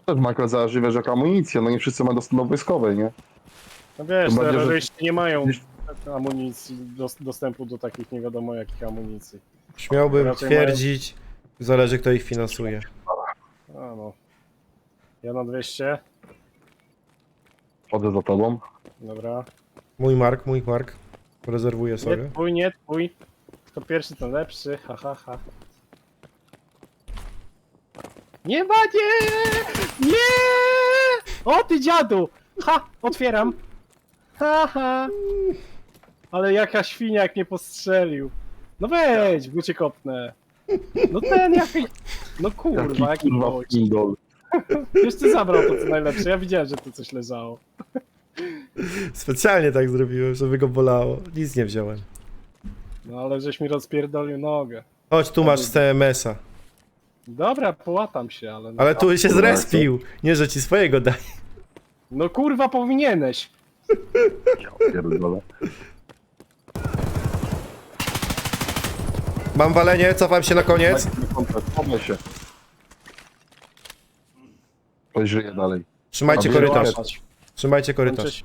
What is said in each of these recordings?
Też Michael zależy, wiesz, jaka amunicja, no nie wszyscy mają dostęp do wojskowej, nie? No wiesz, Tym bardziej, że- terroryści nie mają amunicji, dostępu do takich nie wiadomo jakich amunicji. Śmiałbym Raczej twierdzić, zależy kto ich finansuje. A no. Ja na 200. Chodzę za tobą. Dobra. Mój Mark. Rezerwuję Nie sobie. twój, nie twój. Kto pierwszy, ten lepszy. Ha, ha, ha. Nie ma, nie! Nie! O ty dziadu! Ha! Otwieram. Ha, ha. Ale jaka świnia jak mnie postrzelił. No wejdź, bo cię kopnę. No ten jaki... No kurwa, jaki kurwa gość. pindol. Wiesz, ty zabrał to co najlepsze. Ja widziałem, że tu coś leżało. Specjalnie tak zrobiłem, żeby go bolało. Nic nie wziąłem. No ale żeś mi rozpierdolił nogę. Chodź, tu masz z TMS-a. Dobra, połatam się, ale... No, Ale tu się kurwa, zrespił. Nie, że ci swojego daj. no kurwa, powinieneś. Ja pierdolę. Mam walenie, cofam się na koniec. Chowaj się. Ktoś żyje dalej. Trzymajcie A korytarz. Łapać. Trzymajcie korytarz.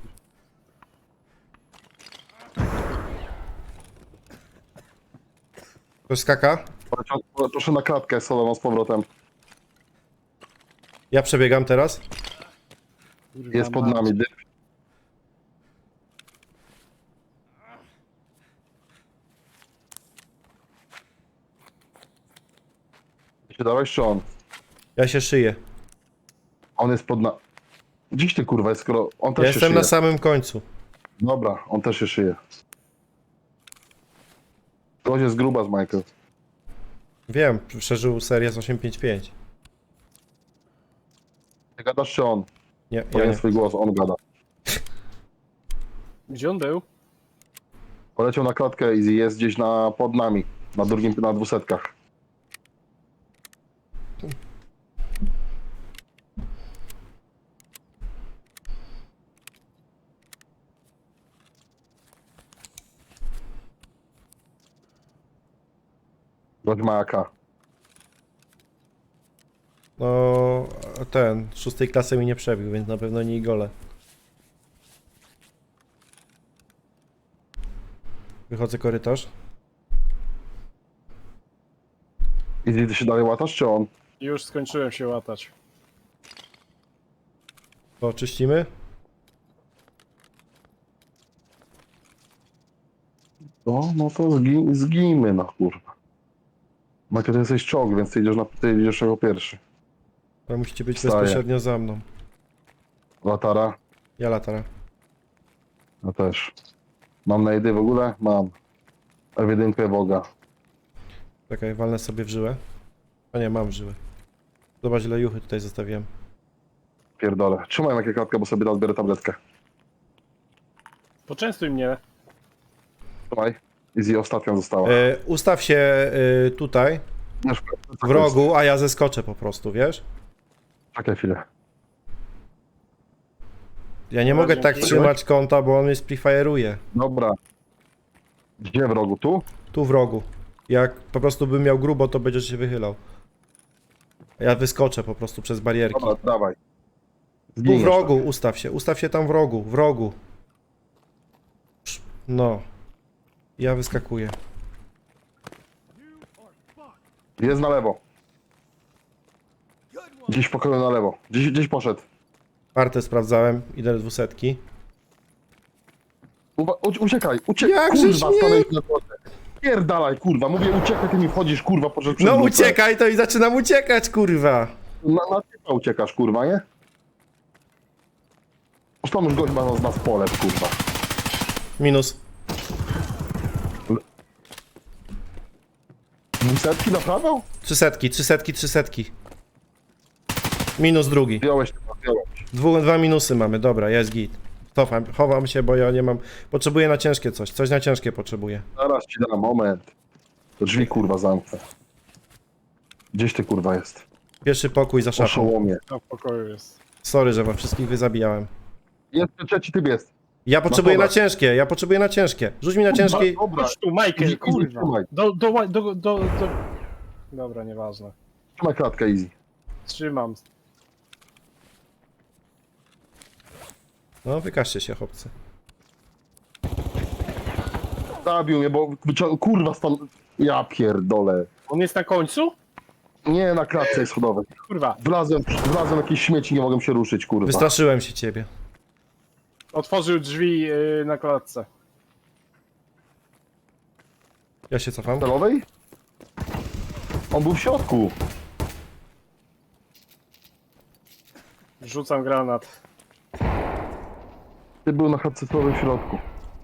Ktoś skaka? Proszę na klatkę solową z powrotem. Ja przebiegam teraz. Kurwa, Jest pod mać. nami, dym. Się dałeś, czy on? Ja się szyję. On jest pod nami. Dziś ty kurwa jest, skoro on też Ja się jestem szyje. na samym końcu. Dobra, on też się szyje. To jest gruba z Michael. Wiem, przeżył serię z 855. Ty gadasz, czy on? Nie, ja Powiem nie. swój głos, on gada. Gdzie on był? Poleciał na klatkę Easy, jest gdzieś pod nami. Na drugim, na 200. Gość ma AK. No, ten, 6 klasy mi nie przebił, więc na pewno nie gole. Wychodzę korytarz. Easy, ty się dalej łatasz, czy on? Już skończyłem się łatać. To czyścimy. No to zgijmy, no kurwa. Michael, ty jesteś czołg, więc ty idziesz jako pierwszy. To musicie być Wstaję. bezpośrednio za mną. Latara? Ja latara. Ja też. Mam najdy w ogóle? Mam. Ewidentkę Boga. Czekaj, walnę sobie w żyłę. A nie, mam w żyłę. Zobacz ile juchy tutaj zostawiłem. Pierdolę. Trzymaj jakie klatkę, bo sobie odbiorę tabletkę. Poczęstuj mnie. Trzymaj. Easy ostatnia została. Ustaw się tutaj, Wiesz, w rogu, a ja zeskoczę po prostu, wiesz? Czekaj chwilę. Ja nie Dobra, mogę tak dzięki. trzymać kąta, bo on mnie sprefire'uje. Dobra. Gdzie w rogu? Tu? Tu w rogu. Jak po prostu bym miał grubo, to będziesz się wychylał. A ja wyskoczę po prostu przez barierki. Dobra, dawaj. Tu Zginiesz w rogu, ustaw się tam w rogu. No. Ja wyskakuję. tak. Jest na lewo. Gdzieś w pokoju na lewo. Gdzieś poszedł. Partę sprawdzałem, idę do 200. Uciekaj, Jakżeś kurwa, mnie- stanąłeś na drodze. Pierdalaj, kurwa, mówię uciekaj, ty mi wchodzisz, kurwa, poszedł przed No lufę. uciekaj, to i zaczynam uciekać, kurwa. Na typa uciekasz, kurwa, nie? Zresztą już gość ma z nas pole, kurwa. Minus. Setki naprawiał? 300. Minus drugi. Wziąłeś. Dwa minusy mamy, dobra, jest git. Chowam się, bo ja nie mam... Potrzebuję na ciężkie coś na ciężkie potrzebuję. Zaraz ci dam, moment. To drzwi, kurwa, zamknę. Gdzieś ty, kurwa, jest? Pierwszy pokój za szafą. Oszołomie. Tam w pokoju jest. Sorry, że wam wszystkich wyzabijałem. Jest, trzeci typ jest. Ja potrzebuję dobra. na ciężkie, Rzuć mi na ciężkie. Dobra, Chodź tu, Michael, Easy, kurwa. trzymaj. Do... Dobra, nieważne. Trzymaj klatkę, Easy. Trzymam. No, wykażcie się, chłopcy. Zabił mnie, bo kurwa stan... Ja pierdolę. On jest na końcu? Nie, na klatce schodowej. Kurwa, Wlazłem w jakieś śmieci, nie mogłem się ruszyć, kurwa. Wystraszyłem się ciebie. otworzył drzwi na klatce. Ja się cofam. Celowej? On był w środku. Rzucam granat. Ty był na chatce celowej w środku.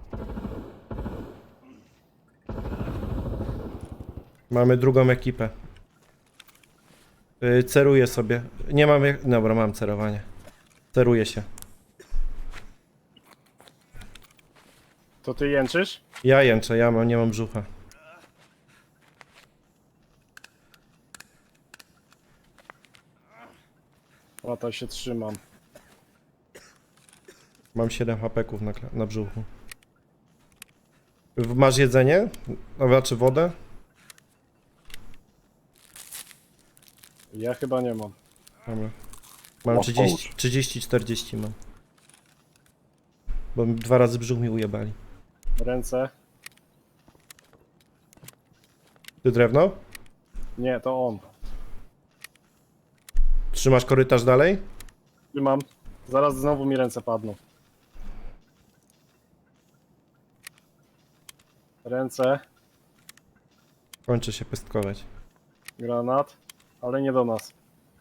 Mamy drugą ekipę. Ceruję sobie. Nie mam jak... Dobra, mam cerowanie. Ceruję się. To ty jęczysz? Ja jęczę, nie mam brzucha. O, to się trzymam. Mam 7 hapeków na brzuchu. Masz jedzenie? Znaczy wodę? Ja chyba nie mam. Dobra. Mam O, 30-40 mam. Bo 2 razy brzuch mi ujebali. Ręce? Ty drewno? Nie, to on. Trzymasz korytarz dalej? Trzymam. Zaraz znowu mi ręce padną. Ręce, Kończy się pestkować. granat, ale nie do nas.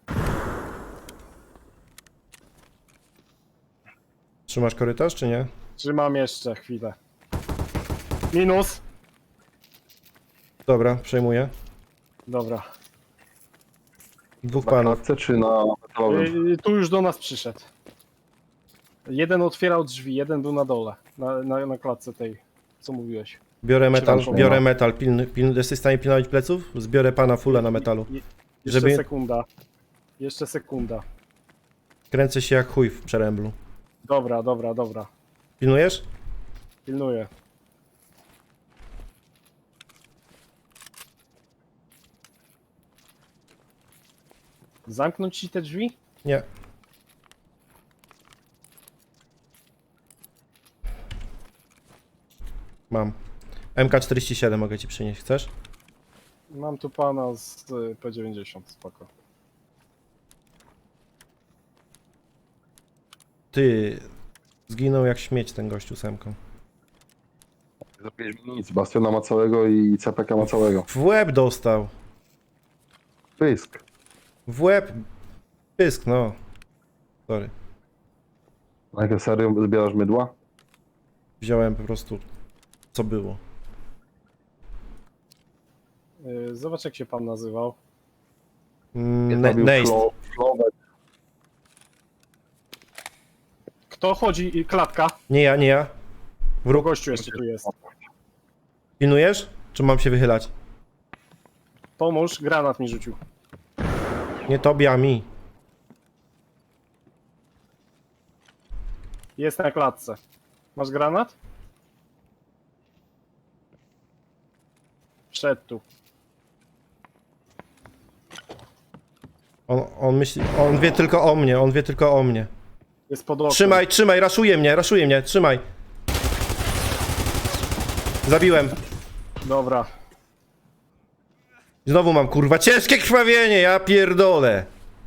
Trzymasz korytarz, czy nie? Trzymam jeszcze chwilę. Minus. Dobra, przejmuję. Dobra. Dwóch Na panów. klatce czy na metalowym? Tu już do nas przyszedł. Jeden otwierał drzwi, jeden był na dole. Na klatce tej, co mówiłeś. Biorę metal, Trzymam biorę szumno. metal. Jesteś w stanie pilnować pleców? Zbiorę pana fulla na metalu. Jeszcze Żeby- sekunda. Jeszcze sekunda. Kręcę się jak chuj w przeręblu. Dobra, dobra, dobra. Pilnujesz? Pilnuję. Zamknąć ci te drzwi? Nie. Mam. MK47 mogę ci przynieść, chcesz? Mam tu pana z P90, spoko. Ty. Zginął jak śmieć ten gościu z MK. Za 5 nic. Bastiona ma całego i CPK ma całego. W łeb dostał. Pysk. W łeb. Pysk, no. Sorry. Na jakie serio zbierasz mydła? Wziąłem po prostu co było. Zobacz jak się pan nazywał. Zabił Neist. Flowek. Kto chodzi? Klatka. Nie ja, nie ja. Wróg. Gościu jeszcze tu jest. Pilnujesz? Czy mam się wychylać? Pomóż, granat mi rzucił. Nie tobie, a mi. Jest na klatce. Masz granat? Wszedł tu. On myśli. On wie tylko o mnie, on wie tylko o mnie. Jest pod oknem. Trzymaj, raszuje mnie, trzymaj. Zabiłem. Dobra. Znowu mam kurwa ciężkie krwawienie, ja pierdolę.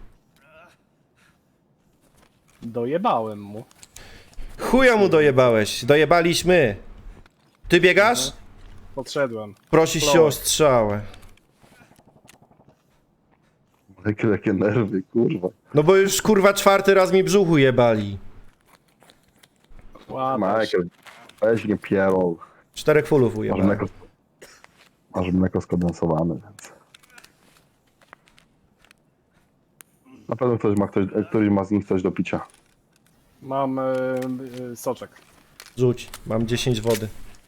Dojebałem mu. Chuja mu dojebałeś, dojebaliśmy. Ty biegasz? Podszedłem. Prosisz się o strzałę. Jakie nerwy, kurwa. No bo już kurwa 4. raz mi brzuchu jebali. Ładnie. Michael, weź nie pierol. 4 fullów Masz ujebali. mleko skondensowane, więc... Na pewno któryś ma z nich coś do picia. Mam soczek. Rzuć, mam 10 wody.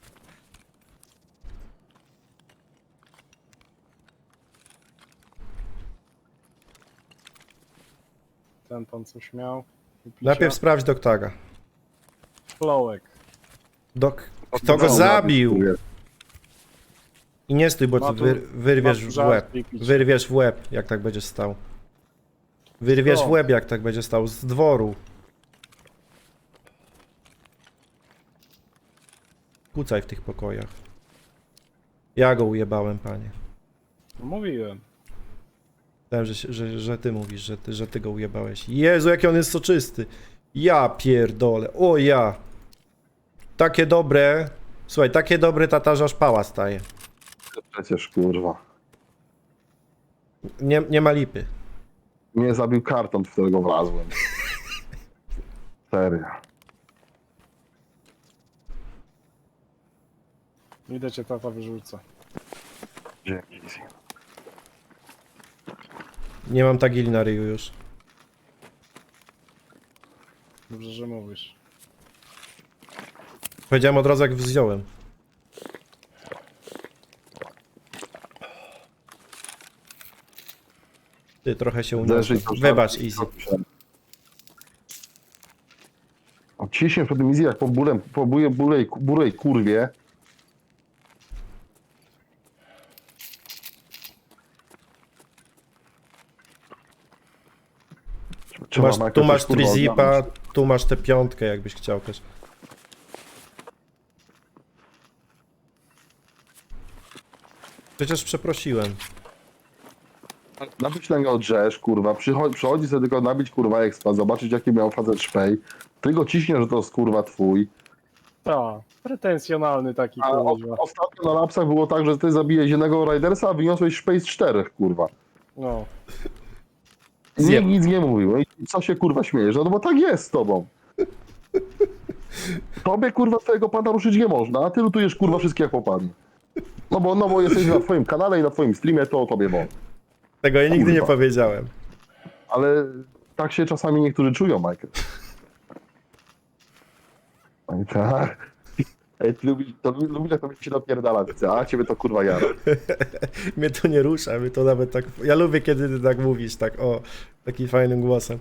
Ten pan coś miał. Do picia. Najpierw sprawdź doktaga. Flołek. Kto go zabił? I nie stój, bo Ma ty tu- wyrwiesz ma tu w żart łeb. i pić. Wyrwiesz w łeb, jak tak będziesz stał. Wyrwiesz Co? w łeb, jak tak będziesz stał. Z dworu. Kucaj w tych pokojach. Ja go ujebałem, panie. No, mówiłem. Myślałem, że ty mówisz, że ty go ujebałeś. Jezu, jaki on jest soczysty. Ja pierdolę. O ja. Takie dobre. Słuchaj, takie dobre tatarza aż pała staje. Przecież kurwa. Nie ma lipy. Mnie zabił karton, w którego wlazłem. Serio. Idę cię tata wyrzuca. Dzięki. Nie mam tagili na ryju już. Dobrze, że mówisz. Powiedziałem od razu, jak wziąłem. Ty trochę się uniosłem. Wybacz, Easy. Ciśnie przed tym Easy jak po burej kurwie. Tu masz trizipa, tu masz tę piątkę, jakbyś chciał też. Przecież przeprosiłem. Nabić tego drzesz, kurwa, przychodzi sobie tylko nabić, kurwa, expa, zobaczyć jaki miał facet szpej. Ty go ciśnie, że to jest, kurwa, twój. Ta, pretensjonalny taki A kurwa. ostatnio na lapsach było tak, że ty zabijesz jednego Ridersa, a wyniosłeś szpej z 4, kurwa. No. Nikt nic nie mówił. No i co się, kurwa, śmiejesz? No bo tak jest z tobą. Tobie, kurwa, twojego pana ruszyć nie można, a ty lutujesz, kurwa, wszystkie jak popadnie. No bo jesteś na twoim kanale i na twoim streamie, to o tobie wolno. Tego ja nigdy nie Kurwa. powiedziałem. Ale tak się czasami niektórzy czują, Michael. No i tak. Ej, ty lubisz, jak to się napierdala, widzę, a ciebie to kurwa jara. Mnie to nie rusza, mnie to nawet tak... Ja lubię, kiedy ty tak mówisz, tak o, takim fajnym głosem.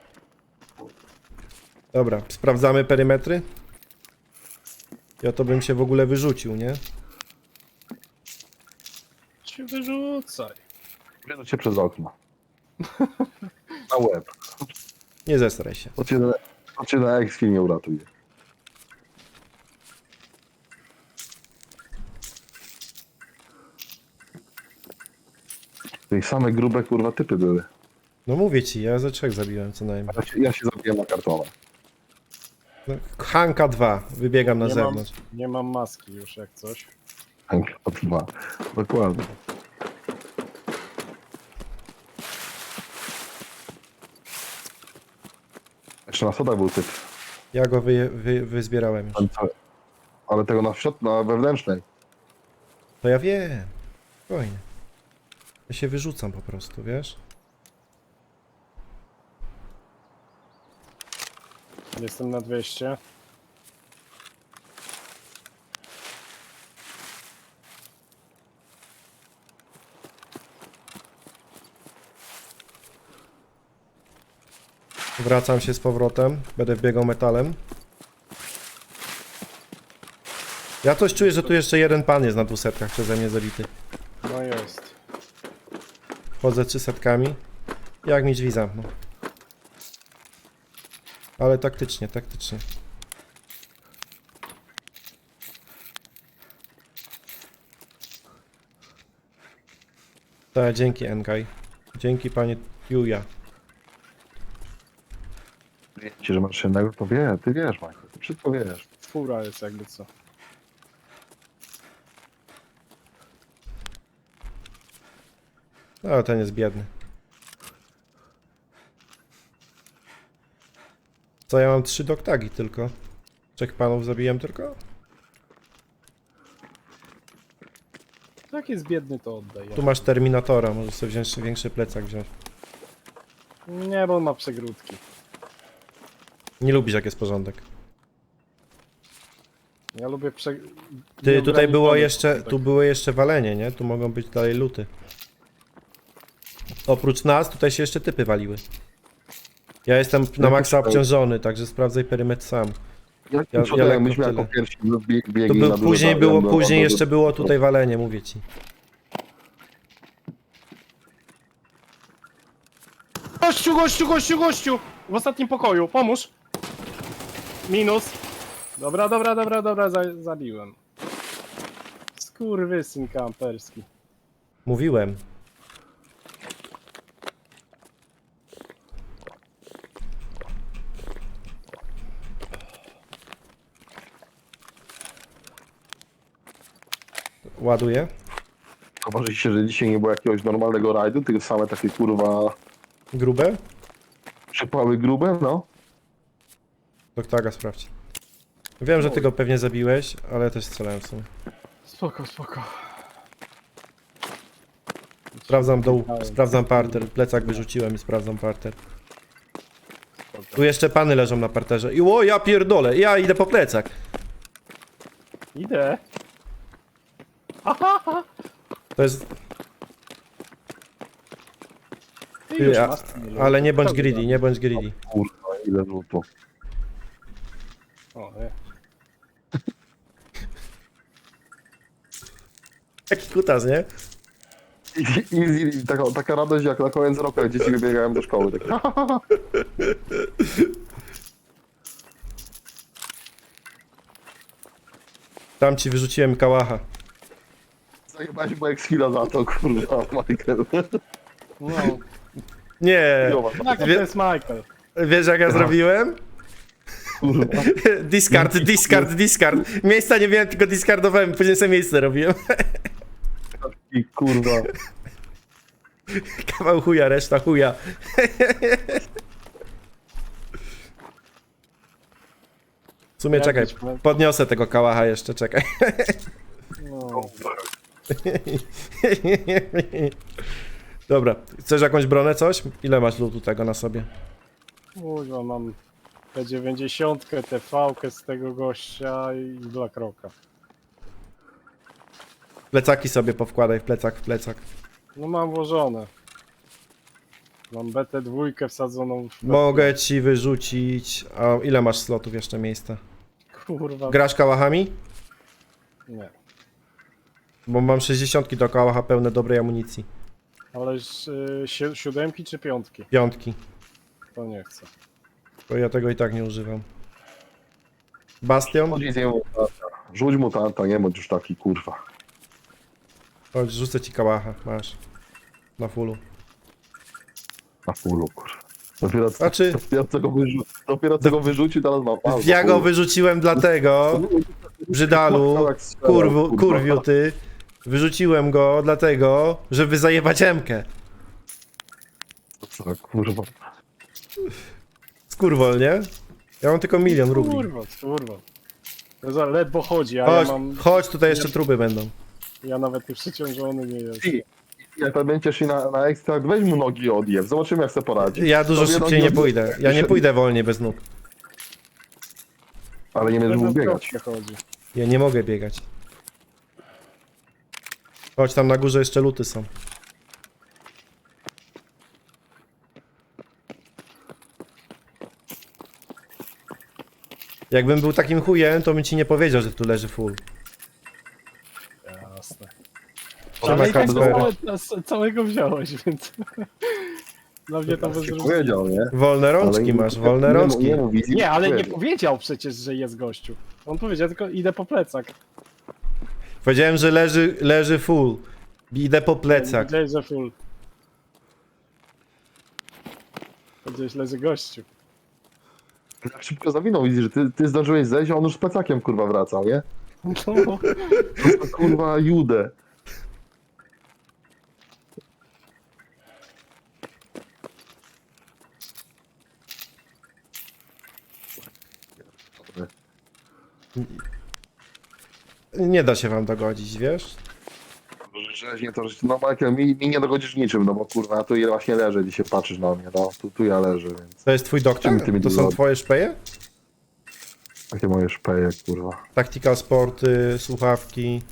Dobra, sprawdzamy perymetry. Ja to bym się w ogóle wyrzucił, nie? Cię wyrzucaj. Wierzę cię przez okno. Na łeb. Nie zesraj się. To cię na X-Film nie uratuje. Tej same grube, kurwa, typy były. No mówię ci, ja ze 3 zabiłem co najmniej. Ja się zabiłem na kartonę. No, Hanka 2, wybiegam na Nie zewnątrz. nie mam maski już jak coś. Dwa. Dokładnie. Jeszcze na sodach był typ. Ja go wyzbierałem już. Ale tego na wewnętrznej. To ja wiem. Spokojnie. Ja się wyrzucam po prostu, wiesz? Jestem na 200. Wracam się z powrotem. Będę wbiegał metalem. Ja coś czuję, że tu jeszcze jeden pan jest na 200 przeze mnie zabity. No jest. Chodzę 300. Jak mi drzwi zamknął. Ale taktycznie, taktycznie. Tak, dzięki Engaj. Dzięki panie Juja. Wiecie, że masz jednego, to ty wiesz, Michael. Ty wszystko wiesz. Fura jest jakby co. No, ten jest biedny. Co, ja mam 3 doktagi tylko. 3 panów zabiłem tylko? Jak jest biedny, to oddaj. Tu masz Terminatora, możesz sobie wziąć większy plecak wziąć. Nie, bo on ma przegródki. Nie lubisz jak jest porządek. Ja lubię Ty, tutaj było nieograniczony jeszcze, porządek. tu było jeszcze walenie, nie? Tu mogą być dalej luty. Oprócz nas, tutaj się jeszcze typy waliły. Ja jestem na maksa obciążony, także sprawdzaj perymetr sam. Ja lekko myśmy tyle. jako pierwsi To biegli był, na później duże było, bazy, później jeszcze było tutaj walenie, mówię ci. Gościu, gościu, gościu, gościu! W ostatnim pokoju, pomóż! Minus. Dobra, zabiłem. Skurwysyn kamperski. Mówiłem. Ładuję. Obaczy się, że dzisiaj nie było jakiegoś normalnego rajdu, tylko same takie kurwa Grube? przypały grube, no. Doktora sprawdź. Wiem, że ty go pewnie zabiłeś, ale też strzelałem w sumie. Spoko, spoko. Sprawdzam dół, sprawdzam parter. Plecak wyrzuciłem i sprawdzam parter. Tu jeszcze pany leżą na parterze. I o, ja pierdolę, ja idę po plecak. Idę. Aha, To jest... ty już Ty, masz. ale nie bądź greedy, nie bądź greedy. Kurwa, ile rzutu. O, nie. Jaki kutas, nie? I taka radość jak na koniec roku, jak dzieci wybiegają do szkoły. Tak. Tam ci wyrzuciłem kałacha. Zajebałeś moje chwila za to, kurwa, Michael. No, Nie, tak, to jest Michael. wiesz jak ja zrobiłem? Kurwa. Discard, discard, discard. Miejsca nie miałem, tylko discardowałem, później sobie miejsce robiłem. I kurwa. Kawał chuja, reszta chuja. W sumie czekaj, podniosę tego kałacha jeszcze, czekaj. No. Dobra, chcesz jakąś bronę, coś? Ile masz lutu tego na sobie? Kurwa, mam P90, TV z tego gościa i Black Rocka. Plecaki sobie powkładaj w plecak. No mam włożone. Mam BT2 wsadzoną w... Mogę ci wyrzucić... A ile masz slotów jeszcze miejsca? Kurwa, Grasz kałachami? nie. Bo mam 60 do kałacha pełne dobrej amunicji. Ale siódemki czy piątki? Piątki. To nie chcę. Bo ja tego i tak nie używam. Bastion? Chodź z niemu mutanta. Rzuć mutanta, nie bądź już taki, kurwa. Chodź, rzucę ci kałacha, masz. Na fullu. Na fullu, kurwa. Dopiero co, Znaczy- dopiero co go wyrzucił, teraz ma pan. Ja go wyrzuciłem dlatego, brzydalu, kurwiu ty. Wyrzuciłem go dlatego, żeby zajebać Emkę. Co, kurwa. Skurwol, nie? Ja mam tylko 1 000 000 rubli. Kurwa. To za ledwo chodzi, a Chodź, ja mam... chodź, tutaj jeszcze truby będą. Ja nawet nie przeciążony nie jestem. Ty, jak tam będziesz szli na ekstrakt, weź mu nogi i odjew. Zobaczymy, jak sobie poradzi. Ja dużo Tobie szybciej nogi nie pójdę. Ja nie pójdę wolniej bez nóg. Ale nie będziesz mógł Ledwo biegać. chodzi. Ja nie mogę biegać. Chodź, tam na górze jeszcze luty są. Jakbym był takim chujem, to bym ci nie powiedział, że tu leży full. Jasne. Trzeba Ale i tak Kacpera. całego wziąłeś, więc... Dla mnie to bez Tak się różnicy. powiedział, nie? Wolne rączki masz, wolne rączki. Nie, ale nie powiedział przecież, że jest gościu. On powiedział tylko idę po plecak. Powiedziałem, że leży full. Idę po plecach. Powiedziałeś, że full. Powiedziałeś, leży gościu. Jak szybko zawinął, widzisz, że ty zdążyłeś zejść, a on już z plecakiem, kurwa, wracał, nie? No, To kurwa, Judę. Nie da się wam dogodzić, wiesz? Rzeźnie to, że no Michael, mi nie dogodzisz niczym, no bo kurwa, ja tu właśnie leżę, dzisiaj patrzysz na mnie, no, tu ja leżę, więc To jest twój doktor? Czym ty mi To są dogodzi? twoje szpeje? takie moje szpeje, kurwa. Tactical sporty, słuchawki.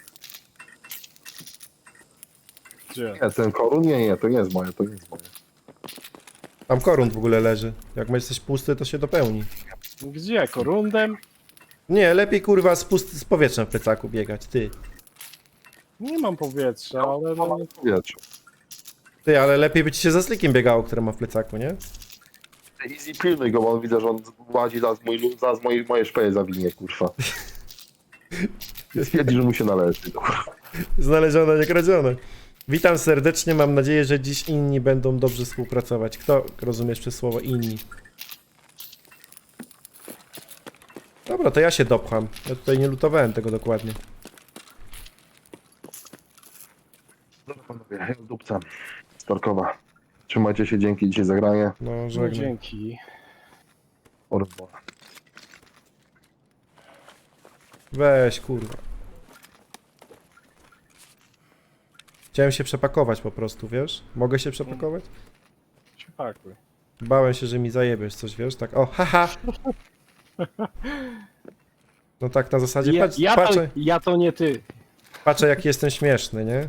gdzie? Nie, ten korun? Nie, to nie jest moje, to nie jest moje. Tam korunt w ogóle leży. Jak jesteś pusty, to się dopełni. Gdzie? Korundem? Nie, lepiej kurwa z powietrzem w plecaku biegać, ty. Nie mam powietrza, ale no... Wiecie. Ty, ale lepiej by ci się za slikiem biegało, które ma w plecaku, nie? Easy pilnuj go, bo on widzę, że on łazi moje szpeje zawinie, kurwa. Stwierdzi, że mu się należy. Znalezione, nie kradzione. Witam serdecznie, mam nadzieję, że dziś inni będą dobrze współpracować. Kto rozumiesz przez słowo inni? Dobra, to ja się dopcham. Ja tutaj nie lutowałem tego dokładnie. Dobra panowie, ja z dupca. Storkowa. Trzymajcie się, dzięki dzisiaj za granie. No, No, żegnam. dzięki. Orbo. Weź, kurwa. Chciałem się przepakować po prostu, wiesz? Mogę się przepakować? Się pakuj. Bałem się, że mi zajebiesz coś, wiesz? Tak, o, haha! No tak na zasadzie, patrz, patrzę, Ja to nie ty. patrzę jaki jestem śmieszny, nie?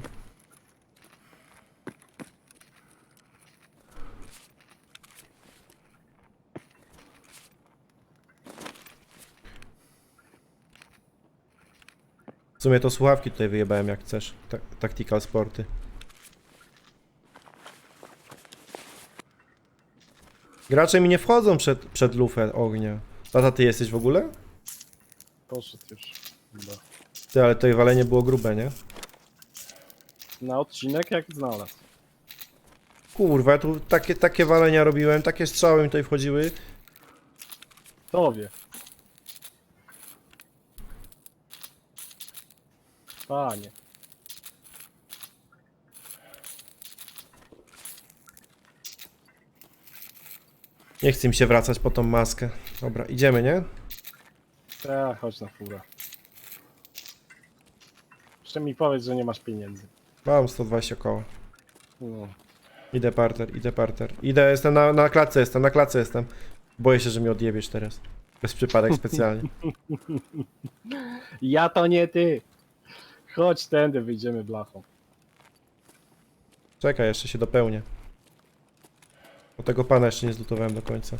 W sumie to słuchawki tutaj wyjebałem jak chcesz. Tactical Sporty. Gracze mi nie wchodzą przed lufę ognia. Tata, ty jesteś w ogóle? Poszedł już. Chyba. Ty, ale to walenie było grube, nie? Na odcinek jak znalazł. Kurwa, ja tu takie walenia robiłem, takie strzały mi tutaj wchodziły. Tobie. Panie. Nie chce mi się wracać po tą maskę. Dobra, idziemy, nie? Chodź na furę. Jeszcze mi powiedz, że nie masz pieniędzy. Mam 120 koła. No. Idę parter, idę parter. Idę, jestem na klatce, na klatce jestem. Boję się, że mi odjebiesz teraz. Bez przypadek specjalnie. Ja to nie ty. Chodź tędy, wyjdziemy blachą. Czekaj, jeszcze się dopełnię. Bo tego pana jeszcze nie zlutowałem do końca.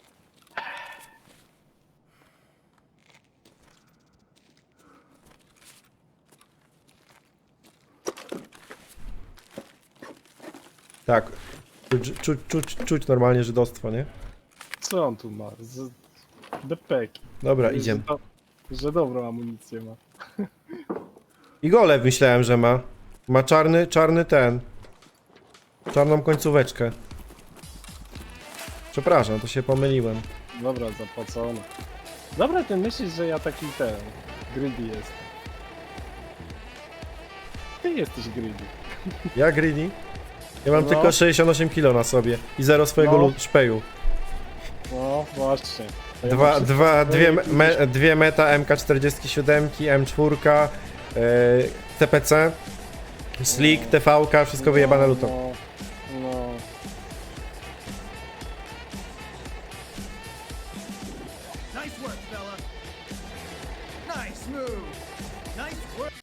Tak. Czuć normalnie żydostwo, nie? Co on tu ma? Depeki. Dobra, idziemy. Że dobrą amunicję ma. I golew myślałem, że ma. Ma czarny ten. Czarną końcóweczkę. Przepraszam, to się pomyliłem. Dobra, zapłacone. Dobra, ty myślisz, że ja taki ten... greedy jestem. Ty jesteś greedy. Ja greedy? Ja mam No. tylko 68 kg na sobie i zero swojego No. szpeju. No, właśnie. To ja mam Dwie meta MK47, M4, CPC, Slick, TVK, wszystko wyjebane lutą. No,